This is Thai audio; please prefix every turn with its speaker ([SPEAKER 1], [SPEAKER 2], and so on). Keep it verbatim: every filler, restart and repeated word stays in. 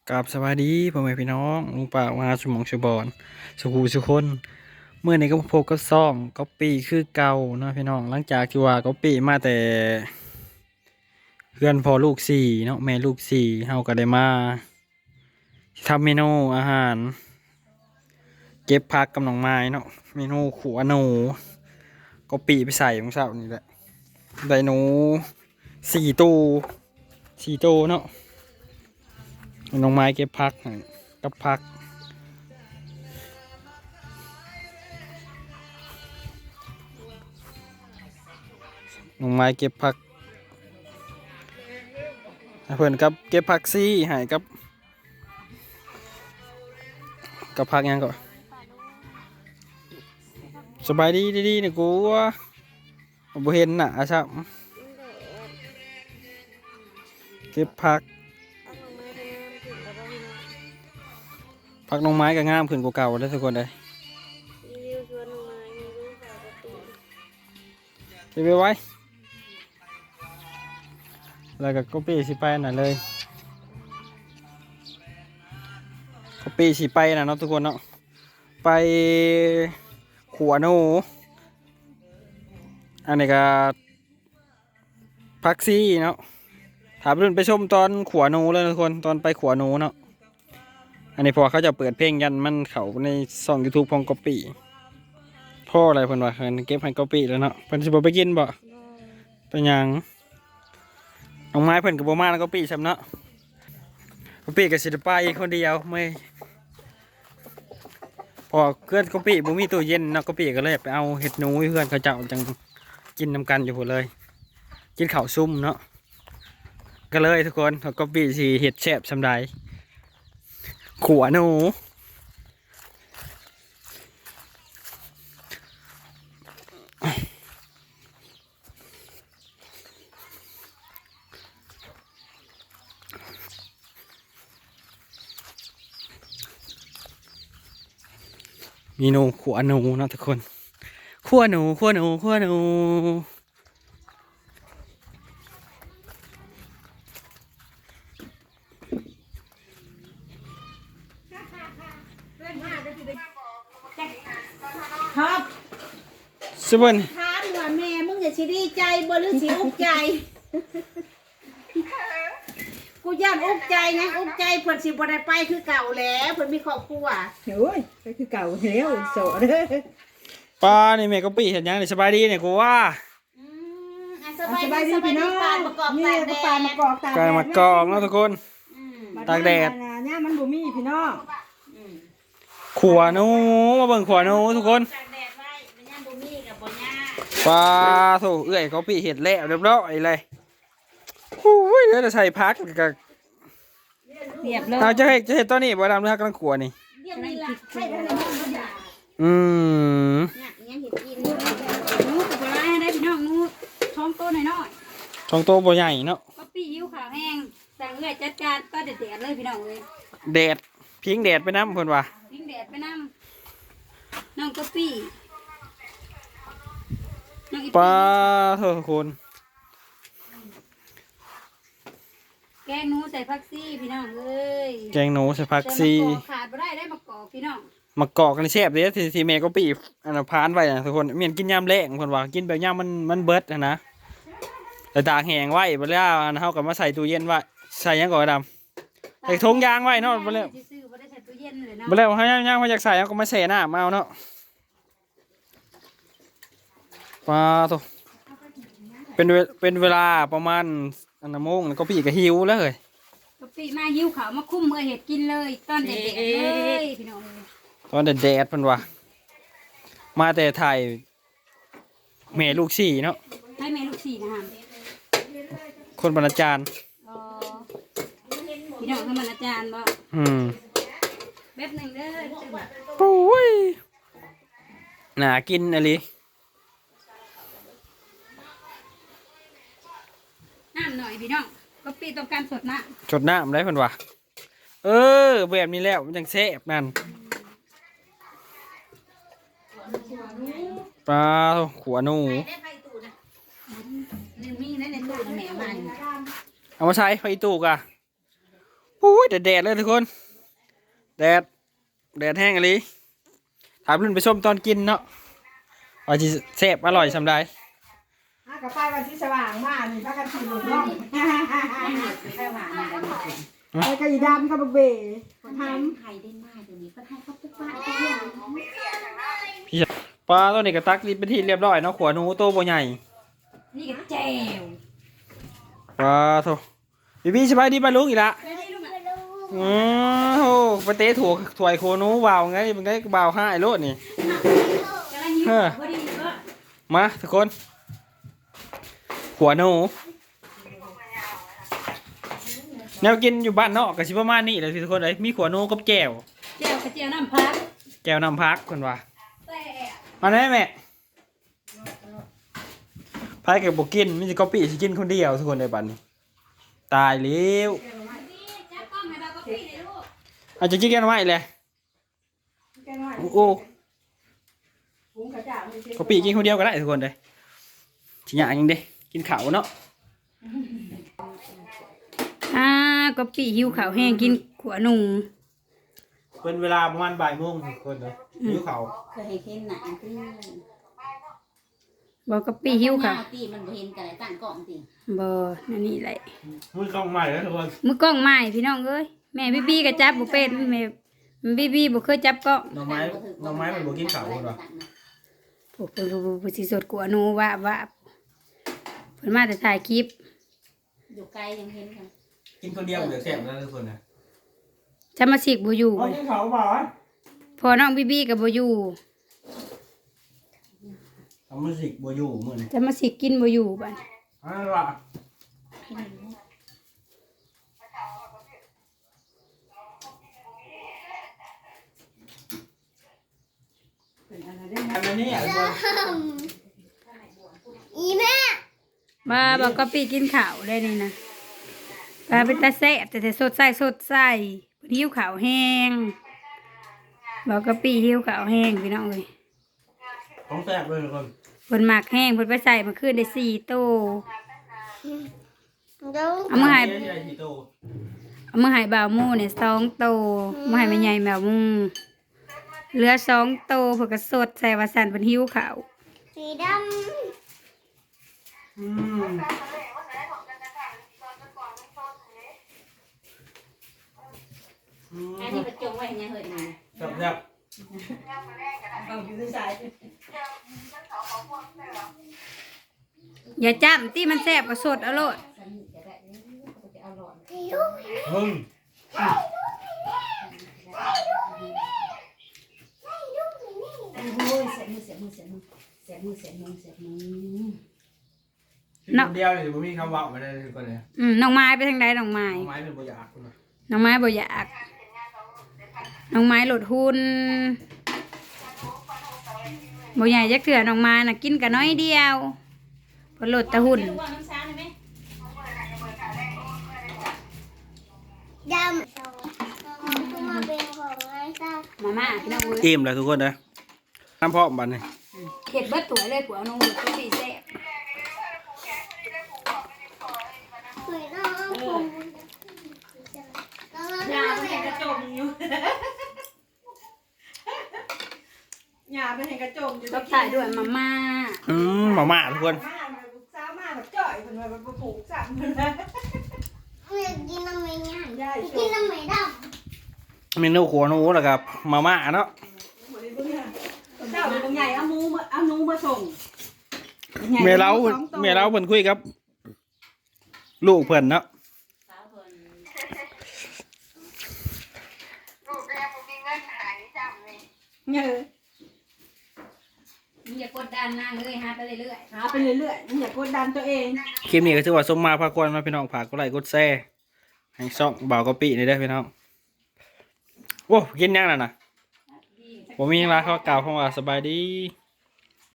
[SPEAKER 1] กับสวัสดีพ่อแม่พี่น้องลุงป่ามาสมองสุบอนสุขูสุคนเมื่อนี้ก็พบก็ซ่องก็ปีคือเก่าเนาะพี่น้องหลังจากที่ว่าก็ปีมาแต่เพื่อนพอลูกสี่เนาะแม่ลูกสี่เฮาก็ได้มาทำเมนูอาหารเก็บผักกับหนองไม้เนาะเมนูขัวหนูก็ปีไปใส่ของเสานี่แหละได้หนูสี่ตู้สี่ตู้เนาะหนองไม้เก็บผักให้กับผัก ลงไม้เก็บผักให้เพื่อนกับเก็บผักซี่หายกับกับผักยังก่อนสบายดีดีๆเนี่ยกูว่าบ่เห็นน่ะอาชับเก็บผักผักลงไม้ก็งามขึ้นกว่าเก่าแล้วทุกคนเลยเก็บไว้ไว้แล้วก็ก็ปีสิไปน่ะเลยก็ปีสิไปน่ะเนาะทุกคนเนาะไปขัวหนูอันนี้ก็ผักซี่เนาะถามรุ่นไปชมตอนขัวหนูเลยทุกคนตอนไปขัวหนูเนาะอันนี้พอเขาจะเปิดเพลงยันมันเขาในช่องยูทูบพองกอปีพ่ออะไรเพิ่นว่าเพิ่นเก็บให้กอปีแล้วเนาะเพิ่นสิบ่ไปกินบ่เป็นหยังน้องไม้เพิ่นก็บ่มาแล้วกอปีซ้ำเนาะกอปีก็สิได้ไปคนเดียวไม่พอเพื่อนกอปีบ่มีตู้เย็นเนาะกอปีก็เลยไปเอาเห็ดหนูเพื่อนเขาเจ้าจังกินนำกันอยู่พุ่นเลยกินข้าวซุ่มเนาะก็เลยทุกคนกอปีสิเห็ดแซ่บซำใดขัวหนูมีหนูขัวหนูนะทุกคนขัวหนูขัวหนูขัวหนู
[SPEAKER 2] ครับ
[SPEAKER 1] สวัสดี
[SPEAKER 2] ถามว่าแม่มึงจะสิดีใจบ่หรือสิอุกใจกูย่านอุกใจนะอุกใจเพิ่นสิบ่ได้ไปคือเก่าแล้วเพิ่นมีครอบครัว
[SPEAKER 3] โอ้ยก็คือเก่าแล้วโสดเด้อ
[SPEAKER 1] ป้านี่แม่ก็ปีเห็นยังนี่สบายดีเนี่ยกูว่า
[SPEAKER 2] อืมอ่ะสบายดีสบายดีปานประกอบ
[SPEAKER 3] นี่
[SPEAKER 2] ตากแด
[SPEAKER 3] ก็ปาน
[SPEAKER 2] ด
[SPEAKER 3] มากอกตาก
[SPEAKER 1] กลายมากองแล้วทุกคน
[SPEAKER 2] อืม
[SPEAKER 1] ตากแดด
[SPEAKER 3] เนี่ยมันบ่มีพี่น้อง
[SPEAKER 2] อืม
[SPEAKER 1] ขัวหนูมาเบิ่งขัวหนูทุกคน
[SPEAKER 2] ตากแดดไว้มันยังบ่มีกับบ่ย่า
[SPEAKER 1] ปลาโถเอื้อยเขาปีเห็ดแล้วเรียบร้อยเลยโอ้ยเดี๋ยวจะใส่พักกับ
[SPEAKER 3] เรียบเลย
[SPEAKER 1] เราจะให้จะเห็ดตอนนี้บ่ดำเนื้อกำลังขัวนี่
[SPEAKER 2] เรียกนี่ล่ะใช่ทางไหนบ่ย่า
[SPEAKER 1] อืม
[SPEAKER 2] เนี่ยยังเห็นกิน
[SPEAKER 3] นูกับปลาให้ได้พี่น้องนูท้องโตหน่อยน้อย
[SPEAKER 1] ช่องโตบ่ใหญ่เนาะ
[SPEAKER 3] ก็ปีหิวขาวแห้งสั่งเอื้อยจัดการก็เด็ดๆเลยพี่น้องเลย
[SPEAKER 1] แดดพิงแดดไปน้ำเพิ่นว่า
[SPEAKER 3] วิ่งแดดไปน้ำน้องก็ปีน้องอี
[SPEAKER 1] ปลาโถทุกคน
[SPEAKER 3] แกงหนูใส่ผักซี่พี่น้องเอ้ย
[SPEAKER 1] แกงหนูใส่ผักซี
[SPEAKER 3] แต่มะกอกขาดบ่ได้ได้มะกอกพี่น้อง
[SPEAKER 1] มากอกกันแซ่บเลยที่ที่แม่ก็ปีอันนั้นพานไว้นะทุกคนเมียนกินยามแรงเพิ่นว่ากินแบบยามมันมันเบิดนะนะแต่ตากแห้งไว้บ่แล้วอันเฮาก็มาใส่ตู้เย็นไว้ใส่หยังก่อนดำ ใส่ถุงยางไว้เนาะบ่แล้ว
[SPEAKER 3] ซื้อบ่ได้ใส่ตู้เย็นเลยเนาะ
[SPEAKER 1] บ่แล้วเฮาย่างๆเฮาอยากใส่เฮาก็มาแช่น้ำเอาเนาะปลาโตเป็นเวเป็นเวลาประมาณอันนะโมงแล้วก็พี่ก็หิวแล้วเฮ้ย
[SPEAKER 3] กะปิมาหิวขาวมาคุ้มเมื่อเห็ดกินเลยตอนเด็กๆเลยพี่น้องเลย
[SPEAKER 1] ตอนแดดๆเพิ่นว่ามาแต่ถ่ายแม่ลูกสี่เนาะ
[SPEAKER 3] ให้แม่ลูกสี่นะฮะ
[SPEAKER 1] คนบรรณาจารย์
[SPEAKER 3] อ๋อพี่น้องทำมันอาจารย์บ่
[SPEAKER 1] อืม
[SPEAKER 3] แป๊บหนึงเด้อ
[SPEAKER 1] โอ้ยน่ากินอะลิ
[SPEAKER 3] น้ำหน่อยพี่น้องกะปิต้องการสดนะ
[SPEAKER 1] จดน้ำได้เพิ่นว่าเออแบบนี้แล้วมันจังแซ่บนั่นปลาโตขัวหนู
[SPEAKER 2] ได้ไผตู้นะนี่มีในในตู้นะแม่มานี่
[SPEAKER 1] เอามาใช้ไฟตูกอะโอ้อ้ยแดดแดดเลยทุกคนแดดแดดแห้งอะไรถามรุ่นไปส้มตอนกินเนาะว่าจะแซ่บอร่อยสำได้
[SPEAKER 2] อ่ะกับไปวันที่สว่างมากนี่พากันขี่รถล่อง
[SPEAKER 3] ไปหวานอะไรมาเป็น
[SPEAKER 2] ไปกระดำกับเบ๋คนท
[SPEAKER 3] ไทยได้มากเดี๋ยวนี้ก็ให้เขาไปป้าไปเรื่อง
[SPEAKER 1] พี่ปลาตัวนี้ก็ตักรีบไปที่เรียบร้อยเนาะขวานูโตบ่ใหญ่
[SPEAKER 3] นี่ก็แจ่ว
[SPEAKER 1] ปลาโถพี่พี่สบายดีปลาลุงอีกละอือโหไปเตะถั่วถวยโคนูวาวไงมันได้วาวห้าไอ้โลดนี่
[SPEAKER 3] กำลังยิ้มพอดีก็
[SPEAKER 1] มาทุกคนขวานูแนวกินอยู่บ้านนอกกับชิประมาณนี้เลยทุกคนเลยมีขวานูกับแจ่ว
[SPEAKER 3] แจ่วกระเจียวน้ำพัก
[SPEAKER 1] แจ่วน้ำพักคนว่า
[SPEAKER 3] แต่
[SPEAKER 1] มาได้แม่พายกับบกินมิจิกอปี้สิกินคนเดียวทุกคนในบ้านนี้ตายแล้ว
[SPEAKER 3] จับกล้องให้เราก็พี่เลยลูก
[SPEAKER 1] อาจจะกินกันไว้เลย
[SPEAKER 2] ำแกน้อย
[SPEAKER 1] โอ้โห
[SPEAKER 2] หุงกระจ่างไม่ใช่
[SPEAKER 1] กอปี้กินคนเดียวก็ได้ทุกคนเลยชิ้นอย่างยังเด้กินข้าวเนาะ
[SPEAKER 3] อ่าก็ปีหิวข้าวแห้งกินขวหนู
[SPEAKER 1] เป็นเวลาประมาณบ่ายโมงทุกคนเลยหิวข้าว
[SPEAKER 4] เคยเห็นเห็นหนังที่
[SPEAKER 3] บอกก็ปีหิวข้าว
[SPEAKER 4] ตีมันบ่เห็นกันเลยตั้งกล้องตี
[SPEAKER 3] บ่นั่นนี่แหละ
[SPEAKER 1] มือกล้องใหม่แล้วทุกคน
[SPEAKER 3] มือกล้องใหม่พี่น้องเอ้ยแม่บีบีก็จับบ่เป็นแม่บีบีบ่เคยจับกล้อง
[SPEAKER 1] น้องไม้น้องไม้มันบอกกินข้าวคนวะ
[SPEAKER 3] โอ้โหผู้สิสดกว่าหนูว่าว่าเพิ่นมาแต่ถ่ายคลิป
[SPEAKER 4] อยู่ไกลยังเห็นกัน
[SPEAKER 1] กินคนเดียวเหลือแซ่บแล้วทุกคนนะ
[SPEAKER 3] จะมาสิกบ่อยู่
[SPEAKER 1] อ๋อกินข้าวเปล่าอ่ะ
[SPEAKER 3] พอน้องบีบีก็บ่อยู่
[SPEAKER 1] ทำมันสิบัวอยู่มือนี่
[SPEAKER 3] จะมาสิกกินบ่อยู่บัด
[SPEAKER 1] อ่าล่ะ
[SPEAKER 2] เป็นอะไรได้ไหม
[SPEAKER 1] อันนี้อ่ะทุกคน
[SPEAKER 4] อีแม่
[SPEAKER 3] มาบอกก็ปีกินข้าวได้นี่นะปลาเป็นตาแซ่บแต่แต่สดใสสดใสเพิ่นหิวข้าวแห้งบอกก็ปีหิวข้าวแห้งพี่น้องเอ้ย
[SPEAKER 1] ของแซ่บเลยทุกคน
[SPEAKER 3] เพิ่นหมักแห้งเพิ่นไปใส่มาคืนได้สี่ตู้เอามาให้
[SPEAKER 1] นนี้อะไรที่โต
[SPEAKER 3] เอามาให้บ่าวหมู่เนี่ยสองตู้มาให้แม่ใหญ่บ่าวหมู่เหลือสองตู้เพิ่นก็สดใส่ว่าสั่นเพิ่นหิวข้าว
[SPEAKER 4] สีด
[SPEAKER 1] อืม
[SPEAKER 4] ำอันนี้ประจงไว้ยังเห็นยัง
[SPEAKER 1] แซ่บแซ่บ
[SPEAKER 2] เอาอยู่ที่สาย
[SPEAKER 3] อย่าจ้ำที่มันแซ่บก็สดเอาโลด
[SPEAKER 1] มึง
[SPEAKER 4] โอ้ยเสียมือเสียมือเสียมือเสียมือเสียมือเสียมือ
[SPEAKER 1] กินคนเดียวเลยผมมีคำว่ามาได้ทุกคนเลย
[SPEAKER 3] อืมน้องไม้ไปทางใดน้องไม้
[SPEAKER 1] น้องไม้เป็นบัวอยากคุณ
[SPEAKER 3] น้องไม้บ่อยากน้องไม้หลดหุ้นบ่ใหญ่จักเถื่อน้องไม้น่ะกินกันน้อยเดียวเพนหลดแตะหุ่น
[SPEAKER 4] ว่าน้ำซ้าได้ไหม
[SPEAKER 5] ดำคือมาเป็นของไอ้ซ่า
[SPEAKER 3] มาม่าพี่น้องเอ้ย
[SPEAKER 1] อิ่มเลยทุกคนนะน้ำพอกบันนี่
[SPEAKER 3] เห็ดเบิดตัวเลยผัวน้องหลดก็สีแซ่บ
[SPEAKER 5] เหมือนน้องผมน้อง
[SPEAKER 2] หยาไปเห็นกระจมอยู่หยาไปเห็นกระจมอยู่
[SPEAKER 3] ก็ถ่ายด้วยมาม่า
[SPEAKER 1] อืมมาม่าทุกคน
[SPEAKER 2] มาแบบสาวมาแบบจ่อยคนแบบผูกสั่งคนนะ
[SPEAKER 5] อยากกินน้ำไม่ง่าย
[SPEAKER 2] ยายช
[SPEAKER 5] กิน
[SPEAKER 2] ม
[SPEAKER 5] น้ำไม่ด
[SPEAKER 1] เมนูขัวหนูแหละครับมาม่าเนาะ
[SPEAKER 2] เจ้าเป็นใหญ่เอาหมูมาเอาหนูมาส่ง
[SPEAKER 1] เมล้าเมล้าเพิ่นคุยครับ ลูกเพิ่นเนาะ
[SPEAKER 4] สาวคน
[SPEAKER 2] เงย
[SPEAKER 3] มึงอย่ากดดันนางเลยฮะไปเรื่อย
[SPEAKER 2] หาไปเรื่อยๆอย่ากดดันตัวเอง
[SPEAKER 1] คลิปนี้ก็ถือว่าสมมาพากวนมาพี่น้องฝากกดไลค์กดแชร์ให้ช่องบ่าวกะปินี่ได้อพี่น้องโอ้กินยังน่ะนะผมมีเวลาเขากล่าวคำว่าสบายดี
[SPEAKER 3] ๆ